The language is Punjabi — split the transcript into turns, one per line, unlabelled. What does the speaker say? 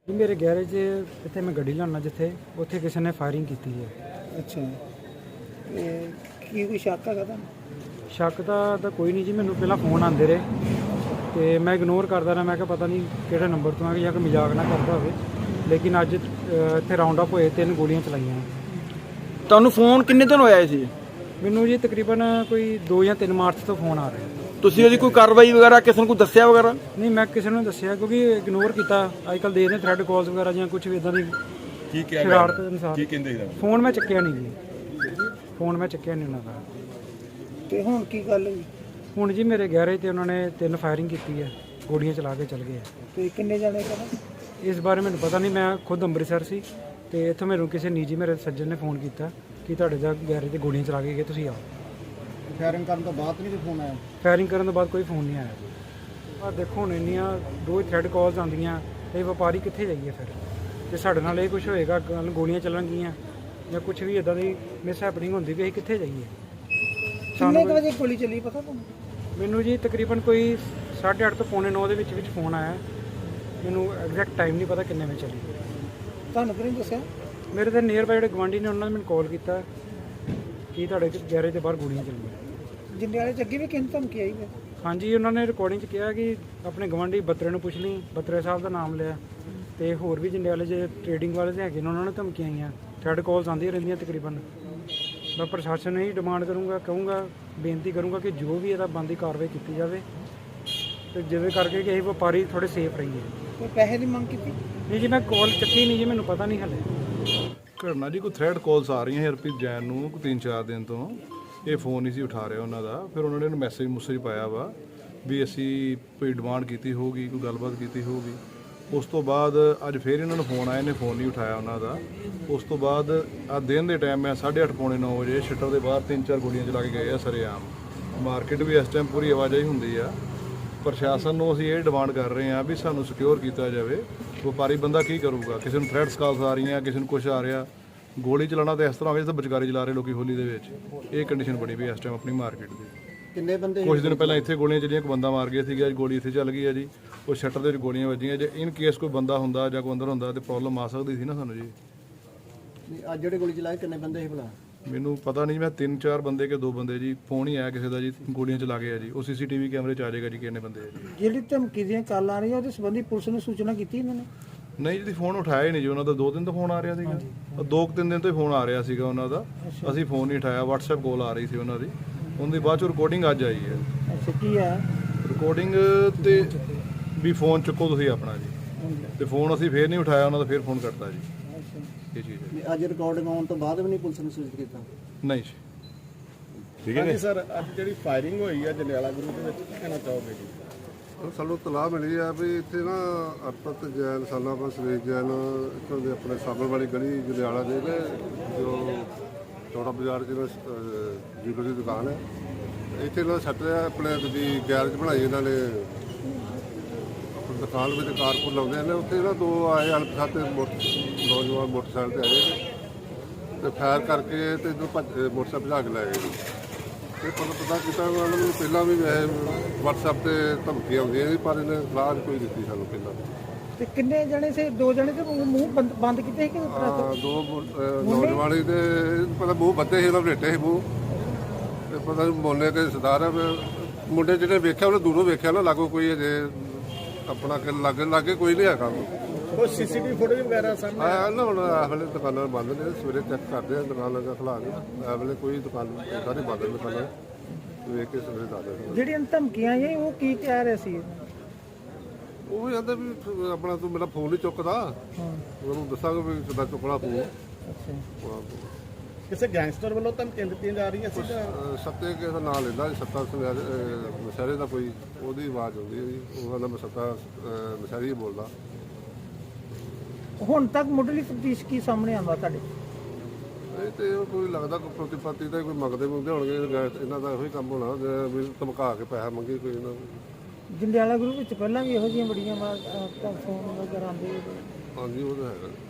मेरे गैरेज इतने मैं गड्डी लाना जिथे उत्थे किसी ने फायरिंग की है।
अच्छा कोई शक है
शक तो कोई नहीं जी, मैनू पहला फोन आते रहे तो मैं इग्नोर करता रहा। मैं क्या पता नहीं किहड़े नंबर तो है या कोई मजाक ना करता हो, लेकिन अज इत्थे राउंड अप होए 3 गोलियां चलाइयां।
ਤੁਹਾਨੂੰ ਫੋਨ ਕਿੰਨੇ ਦਿਨ ਹੋਇਆ ਸੀ?
मैनू जी तकरीबन कोई 2 या 3 मार्च तो फोन आ रहे हैं।
ਤੁਸੀਂ ਉਹਦੀ ਕੋਈ ਕਾਰਵਾਈ ਵਗੈਰਾ ਕਿਸੇ ਨੂੰ ਕੋਈ ਦੱਸਿਆ ਵਗੈਰਾ?
नहीं मैं किसी ने दसिया क्योंकि इग्नोर किया। अजकल देखते थ्रैड कॉल्स वगैरह या कुछ भी इदा की शरारत अनुसार फोन मैं चुकया नहीं जी, फोन मैं चुकया नहीं उन्होंने।
ਤੇ ਹੁਣ ਕੀ ਗੱਲ ਹੋਈ?
ਹੁਣ ਜੀ ਮੇਰੇ ਗੈਰੇਜ ਤੇ ਉਹਨਾਂ ਨੇ 3 ਫਾਇਰਿੰਗ ਕੀਤੀ ਹੈ, ਗੋਲੀਆਂ ਚਲਾ ਕੇ ਚਲ ਗਏ।
ਤੇ ਕਿੰਨੇ ਜਾਣੇ ਕਰਨ?
ਇਸ ਬਾਰੇ ਮੈਨੂੰ ਪਤਾ ਨਹੀਂ, ਮੈਂ ਖੁਦ ਅੰਮ੍ਰਿਤਸਰ ਸੀ ਤੇ ਇੱਥੋਂ ਮੈਨੂੰ ਕਿਸੇ ਨਿੱਜੀ ਮੇਰੇ ਸੱਜਣ ਨੇ ਫੋਨ ਕੀਤਾ ਕਿ ਤੁਹਾਡੇ ਦਾ ਗੈਰੇਜ ਤੇ ਗੋਲੀਆਂ ਚਲਾ ਕੇ ਗਏ, ਤੁਸੀਂ ਆਓ।
ਫਾਇਰਿੰਗ ਕਰਨ ਤੋਂ ਬਾਅਦ ਨਹੀਂ ਫੋਨ ਆਇਆ?
ਫਾਇਰਿੰਗ ਕਰਨ ਤੋਂ ਬਾਅਦ ਕੋਈ ਫੋਨ ਨਹੀਂ ਆਇਆ। ਆ ਦੇਖੋ ਹੁਣ ਇੰਨੀਆਂ ਰੋਜ਼ ਥ੍ਰੈਡ ਕਾਲਸ ਆਉਂਦੀਆਂ ਤੇ ਵਪਾਰੀ ਕਿੱਥੇ ਜਾਈਏ ਫਿਰ? ਜੇ ਸਾਡੇ ਨਾਲ ਇਹ ਕੁਝ ਹੋਏਗਾ, ਕੱਲ੍ਹ ਗੋਲੀਆਂ ਚੱਲਣਗੀਆਂ ਜਾਂ ਕੁਝ ਵੀ ਇਦਾਂ ਦੀ ਮਿਸ ਹੈਪਨਿੰਗ ਹੁੰਦੀ ਵੀ ਅਸੀਂ ਕਿੱਥੇ ਜਾਈਏ?
ਕਿੰਨੇ ਕੁ ਵਜੇ ਗੋਲੀ ਚੱਲੀ ਪਤਾ ਤੁਹਾਨੂੰ?
ਮੈਨੂੰ ਜੀ ਤਕਰੀਬਨ ਕੋਈ 8:30 ਤੋਂ 8:45 ਦੇ ਵਿੱਚ ਫੋਨ ਆਇਆ। ਮੈਨੂੰ ਐਗਜ਼ੈਕਟ ਟਾਈਮ ਨਹੀਂ ਪਤਾ ਕਿੰਨੇ ਵਜੇ ਚੱਲੀ।
ਤੁਹਾਨੂੰ ਕਿਹਨੇ ਦੱਸਿਆ?
ਮੇਰੇ ਤਾਂ ਨੀਅਰ ਬਾਈ ਜਿਹੜੇ ਗਵਾਂਢੀ ਨੇ ਉਹਨਾਂ ਨੇ ਮੈਨੂੰ ਕਾਲ ਕੀਤਾ ਕਿ ਤੁਹਾਡੇ ਗੈਰੇਜ ਦੇ ਬਾਹਰ ਗੋਲੀਆਂ ਚੱਲੀਆਂ।
ਜੰਡਿਆਲੇ ਚ ਅੱਗੇ ਵੀ ਕਿੰਨ ਧਮਕੀ ਆਈ ਹੈ?
ਹਾਂਜੀ, ਉਹਨਾਂ ਨੇ ਰਿਕਾਰਡਿੰਗ 'ਚ ਕਿਹਾ ਕਿ ਆਪਣੇ ਗਵਾਂਢੀ ਬੱਤਰੇ ਨੂੰ ਪੁੱਛ ਲਈ, ਬੱਤਰੇ ਸਾਹਿਬ ਦਾ ਨਾਮ ਲਿਆ ਤੇ ਹੋਰ ਵੀ ਜੰਡਿਆਲੇ 'ਚ ਟ੍ਰੇਡਿੰਗ ਵਾਲੇ ਤੇ ਹੈਗੇ ਨੇ, ਉਹਨਾਂ ਨੇ ਧਮਕੀਆਂ ਆਈਆਂ। ਥ੍ਰੈਡ ਕਾਲਸ ਆਉਂਦੀਆਂ ਰਹਿੰਦੀਆਂ ਤਕਰੀਬਨ। ਮੈਂ ਪ੍ਰਸ਼ਾਸਨ ਨੂੰ ਹੀ ਡਿਮਾਂਡ ਕਰੂੰਗਾ, ਕਹੂੰਗਾ, ਬੇਨਤੀ ਕਰੂੰਗਾ ਕਿ ਜੋ ਵੀ ਇਹਦਾ ਬਣਦੀ ਕਾਰਵਾਈ ਕੀਤੀ ਜਾਵੇ ਤੇ ਜਿਵੇਂ ਕਰਕੇ ਕਿ ਅਸੀਂ ਵਪਾਰੀ ਥੋੜੇ ਸੇਫ ਰਹੀਏ।
ਕੋਈ ਪੈਸੇ ਦੀ ਮੰਗ ਕੀਤੀ?
ਨਹੀਂ ਜੀ, ਮੈਂ ਕਾਲ ਚੱਕੀ ਨਹੀਂ ਜੀ, ਮੈਨੂੰ ਪਤਾ ਨਹੀਂ ਹਲੇ।
ਘਟਨਾ ਜੀ ਕੋਈ ਥ੍ਰੈਡ ਕਾਲਸ ਆ ਰਹੀਆਂ ਹਰਪ੍ਰੀਤ ਜੈਨ ਨੂੰ 3-4 ਦਿਨ ਤੋਂ। ਇਹ ਫੋਨ ਨਹੀਂ ਸੀ ਉਠਾ ਰਿਹਾ ਉਹਨਾਂ ਦਾ। ਫਿਰ ਉਹਨਾਂ ਨੇ ਉਹਨੂੰ ਮੈਸੇਜ ਪਾਇਆ ਵਾ ਵੀ ਅਸੀਂ ਕੋਈ ਡਿਮਾਂਡ ਕੀਤੀ ਹੋਊਗੀ, ਕੋਈ ਗੱਲਬਾਤ ਕੀਤੀ ਹੋਊਗੀ। ਉਸ ਤੋਂ ਬਾਅਦ ਅੱਜ ਫਿਰ ਇਹਨਾਂ ਨੂੰ ਫੋਨ ਆਇਆ, ਇਹਨੇ ਫੋਨ ਨਹੀਂ ਉਠਾਇਆ ਉਹਨਾਂ ਦਾ। ਉਸ ਤੋਂ ਬਾਅਦ ਆ ਦਿਨ ਦੇ ਟਾਈਮ ਮੈਂ 8:30 ਪੌਣੇ 9 ਵਜੇ ਸ਼ਟਰ ਦੇ ਬਾਹਰ 3-4 ਗੋਲੀਆਂ ਚਲਾ ਕੇ ਗਏ ਆ ਸਰੇਆਮ। ਮਾਰਕੀਟ ਵੀ ਇਸ ਟਾਈਮ ਪੂਰੀ ਆਵਾਜਾਈ ਹੁੰਦੀ ਆ। ਪ੍ਰਸ਼ਾਸਨ ਨੂੰ ਅਸੀਂ ਇਹ ਡਿਮਾਂਡ ਕਰ ਰਹੇ ਹਾਂ ਵੀ ਸਾਨੂੰ ਸਿਕਿਉਰ ਕੀਤਾ ਜਾਵੇ। ਵਪਾਰੀ ਬੰਦਾ ਕੀ ਕਰੂਗਾ? ਕਿਸੇ ਨੂੰ ਥ੍ਰੈਡਸ ਕਾਲਸ ਆ ਰਹੀਆਂ, ਕਿਸੇ ਨੂੰ ਕੁਛ ਆ ਰਿਹਾ। ਗੋਲੀ ਚਲਾਉਣਾ ਤਾਂ ਇਸ ਤਰ੍ਹਾਂ ਹੋਵੇ ਜਿਵੇਂ ਬਚਕਾਰੀ ਚਲਾ ਰਹੇ ਲੋਕੀ ਹੋਲੀ ਦੇ ਵਿੱਚ। ਇਹ ਕੰਡੀਸ਼ਨ ਬਣੀ ਵੀ ਇਸ ਟਾਈਮ ਆਪਣੀ ਮਾਰਕੀਟ ਦੀ।
ਕਿੰਨੇ ਬੰਦੇ?
ਕੁਝ ਦਿਨ ਪਹਿਲਾਂ ਇੱਥੇ ਗੋਲੀਆਂ ਚੱਲੀਆਂ, ਇੱਕ ਬੰਦਾ ਮਾਰ ਗਿਆ ਸੀਗਾ। ਅੱਜ ਗੋਲੀ ਇੱਥੇ ਚੱਲ ਗਈ ਹੈ ਜੀ। ਉਹ ਸ਼ਟਰ ਦੇ ਵਿੱਚ ਗੋਲੀਆਂ ਵੱਜੀਆਂ। ਜੇ ਇਨ ਕੇਸ ਕੋਈ ਬੰਦਾ ਹੁੰਦਾ ਜਾਂ ਕੋਈ ਅੰਦਰ ਹੁੰਦਾ ਤੇ ਪ੍ਰੋਬਲਮ ਆ ਸਕਦੀ ਸੀ ਨਾ ਸਾਨੂੰ ਜੀ।
ਅੱਜ ਜਿਹੜੇ ਗੋਲੀ ਚਲਾਏ ਕਿੰਨੇ ਬੰਦੇ ਸੀ ਭਲਾ?
ਮੈਨੂੰ ਪਤਾ ਨਹੀਂ, ਮੈਂ 3-4 ਬੰਦੇ ਕਿ 2 ਬੰਦੇ ਜੀ। ਫੋਨ ਹੀ ਆਇਆ ਕਿਸੇ ਦਾ ਜੀ, ਗੋਲੀਆਂ ਚਲਾ ਗਏ ਆ ਜੀ। ਉਹ ਸੀਸੀਟੀਵੀ ਕੈਮਰੇ 'ਚ ਆ ਜਾਏਗਾ ਜੀ ਕਿੰਨੇ ਬੰਦੇ ਆ ਜੀ।
ਜਿਹੜੀ ਧਮਕੀ ਦੀਆਂ ਕਾਲਾਂ ਆ ਰਹੀਆਂ ਉਹਦੇ ਸੰਬੰਧੀ ਪੁਲਿਸ ਨੂੰ ਸੂਚਨਾ ਕੀਤੀ ਇਹਨਾਂ ਨੇ?
ਨਹੀਂ ਜੀ, ਫੋਨ ਉਠਾਇਆ ਹੀ ਨਹੀਂ ਜੀ ਉਹਨਾਂ ਦਾ। 2 ਦਿਨ ਤੋਂ ਫੋਨ ਆ ਰਿਹਾ ਸੀਗਾ। 2-3 ਦਿਨ ਤੋਂ ਹੀ ਫੋਨ ਆ ਰਿਹਾ ਸੀਗਾ ਉਹਨਾਂ ਦਾ। ਅਸੀਂ ਫੋਨ ਨਹੀਂ ਉਠਾਇਆ। WhatsApp ਕਾਲ ਆ ਰਹੀ ਸੀ ਉਹਨਾਂ ਦੀ। ਉਹਦੀ ਬਾਅਦ 'ਚ ਰਿਕਾਰਡਿੰਗ ਅੱਜ ਆਈ ਹੈ।
ਅੱਛਾ, ਕੀ ਆ
ਰਿਕਾਰਡਿੰਗ ਤੇ ਵੀ ਫੋਨ ਚੁੱਕੋ ਤੁਸੀਂ ਆਪਣਾ ਜੀ। ਤੇ ਫੋਨ ਅਸੀਂ ਫੇਰ ਨਹੀਂ ਉਠਾਇਆ ਉਹਨਾਂ ਦਾ, ਫੇਰ ਫੋਨ ਕਰਤਾ ਜੀ। ਇਹ ਚੀਜ਼ ਹੈ।
ਅੱਜ ਰਿਕਾਰਡਿੰਗ ਆਉਣ ਤੋਂ ਬਾਅਦ ਵੀ ਨਹੀਂ ਪੁਲਿਸ ਨੂੰ ਸੂਚਿਤ ਕੀਤਾ?
ਨਹੀਂ ਜੀ।
ਠੀਕ ਹੈ ਜੀ ਸਰ, ਅੱਜ ਜਿਹੜੀ ਫਾਇਰਿੰਗ ਹੋਈ ਹੈ ਜੰਡਿਆਲਾ ਗੁਰੂ ਦੇ ਵਿੱਚ, ਕੀ ਕਹਿਣਾ ਚਾਹੋਗੇ ਜੀ?
ਸਾਨੂੰ ਤਲਾਹ ਮਿਲੀ ਆ ਵੀ ਇੱਥੇ ਨਾ ਅਰਪਤ ਜੈਨ ਸਾਲਾ ਬਸ ਸੁਰੇਸ਼ ਜੈਨ ਇੱਥੋਂ ਦੇ ਆਪਣੇ ਸਾਬਰ ਵਾਲੀ ਗਲੀ ਜੰਡਿਆਲਾ ਦੇ ਨੇ, ਜੋ ਚੌੜਾ ਬਾਜ਼ਾਰ 'ਚ ਜੀਵਨ ਦੀ ਦੁਕਾਨ ਹੈ। ਇੱਥੇ ਇਹਨਾਂ ਸੱਟ ਰਿਹਾ ਆਪਣੇ ਦੀ ਗੈਰੇਜ ਬਣਾਈ ਇਹਨਾਂ ਨੇ। ਆਪਣੀ ਦੁਕਾਨ ਵਿੱਚ ਕਾਰਪੂਰ ਲਾਉਂਦੇ ਨੇ। ਉੱਥੇ ਨਾ 2 ਆਏ ਅਣਪਛਾਤੇ ਨੌਜਵਾਨ ਮੋਟਰਸਾਈਕਲ 'ਤੇ ਆਏ ਤੇ ਫਾਇਰ ਕਰਕੇ ਤੇ ਇੱਧਰ ਮੋਟਰਸਾਈਕਲ ਭਜਾ ਕੇ ਲੈ ਗਏ ਜੀ। ਤੇ ਪਤਾ ਕੀਤਾ ਉਹਨਾਂ ਨੂੰ ਪਹਿਲਾਂ ਵੀ WhatsApp ਤੇ ਧਮਕੀ ਆਉਂਦੀਆਂ ਸੀ, ਪਰ ਇਹਨੇ ਸਲਾਹ ਕੋਈ ਦਿੱਤੀ ਸਾਨੂੰ ਪਹਿਲਾਂ।
ਤੇ ਕਿੰਨੇ ਜਣੇ ਸੀ? 2 ਜਣੇ ਤੇ ਮੂੰਹ ਬੰਦ ਕੀਤੇ ਸੀ ਕਿ
2 ਨੌਜਵਾਨ ਸੀ ਤੇ ਪਤਾ ਮੂੰਹ ਬੱਦੇ ਸੀ, ਉਹਨਾਂ ਬਲੇਟੇ ਸੀ ਮੂੰਹ। ਤੇ ਪਤਾ ਮੋਨੇ ਤੇ ਸਰਦਾਰ ਆ। ਮੁੰਡੇ ਜਿਹੜੇ ਵੇਖਿਆ ਉਹਨੇ ਦੂਰੋਂ ਵੇਖਿਆ ਨਾ, ਲਾਗੋ ਕੋਈ ਅਜੇ ਆਪਣਾ ਲਾਗੇ ਕੋਈ ਨਹੀਂ ਹੈਗਾ।
ਕੋਈ ਸੀਸੀਟੀਵੀ ਫੁਟੇਜ ਵਗੈਰਾ ਸਾਹਮਣੇ
ਆਇਆ ਨਾ? ਹੁਣ ਇਸ ਵੇਲੇ ਦੁਕਾਨਾਂ ਬੰਦ ਨੇ। ਸਵੇਰੇ ਚੈੱਕ ਕਰਦੇ ਆ ਦੁਕਾਨਾਂ ਦਾ ਖੁਲਾ ਕੇ। ਇਸ ਵੇਲੇ ਕੋਈ ਦੁਕਾਨ ਸਾਰੀ ਬੰਦ ਨੇ ਦੁਕਾਨਾਂ। ਵੇਖ ਕੇ ਸਵੇਰੇ ਦੱਸਦੇ।
ਜਿਹੜੀਆਂ ਧਮਕੀਆਂ ਆਈਆਂ ਉਹ ਕੀ ਕਹਿ ਰਹੇ ਸੀ?
ਉਹ ਵੀ ਕਹਿੰਦੇ ਵੀ ਆਪਣਾ ਤੂੰ ਮੇਰਾ ਫੋਨ ਨਹੀਂ ਚੁੱਕਦਾ, ਉਹਨੂੰ ਦੱਸਾਂਗਾ ਵੀ ਕਿੱਦਾਂ ਚੁੱਕਣਾ ਫੋਨ।
ਅੱਛਾ,
ਕਿਸੇ ਗੈਂਗਸਟਰ ਵੱਲੋਂ ਧਮਕੀਆਂ ਦਿੱਤੀਆਂ ਜਾ ਰਹੀਆਂ ਸੀ ਜਾਂ
ਸੱਤੇ ਕਿਸੇ ਦਾ ਨਾਂ ਲੈਂਦਾ ਸੱਤਾ ਮਸ਼ਹਿਰੇ ਦਾ ਕੋਈ, ਉਹਦੀ ਆਵਾਜ਼ ਆਉਂਦੀ ਹੈ ਜੀ। ਉਹ ਕਹਿੰਦਾ ਮੈਂ ਸੱਤਾ ਮਸ਼ਹਿਰੀ ਹੀ ਬੋਲਦਾ।
ਹੁਣ ਤੱਕ ਮੁੱਢਲੀ ਤਫਤੀਸ਼ ਕੀ ਸਾਹਮਣੇ ਆਉਂਦਾ ਤੁਹਾਡੇ?
ਇਹ ਤੇ ਕੋਈ ਲੱਗਦਾ ਕੋਈ ਪ੍ਰਤੀਪਾਤੀ ਦਾ ਕੋਈ ਮੰਗਦੇ ਹੋਣਗੇ। ਇਹਨਾਂ ਦਾ ਇਹੋ ਹੀ ਕੰਮ ਹੋਣਾ ਵੀ ਧਮਕਾ ਕੇ ਪੈਸਾ ਮੰਗੇ ਕੋਈ ਇਹਨਾਂ ਨੂੰ।
ਜੰਡਿਆਲਾ ਗਰੁੱਪ ਵਿੱਚ ਪਹਿਲਾਂ ਵੀ ਇਹੋ ਜਿਹੀਆਂ ਬੜੀਆਂ ਫੋਨ ਵਗੈਰਾ ਆਉਂਦੇ?
ਹਾਂਜੀ, ਉਹ ਤਾਂ ਹੈਗਾ।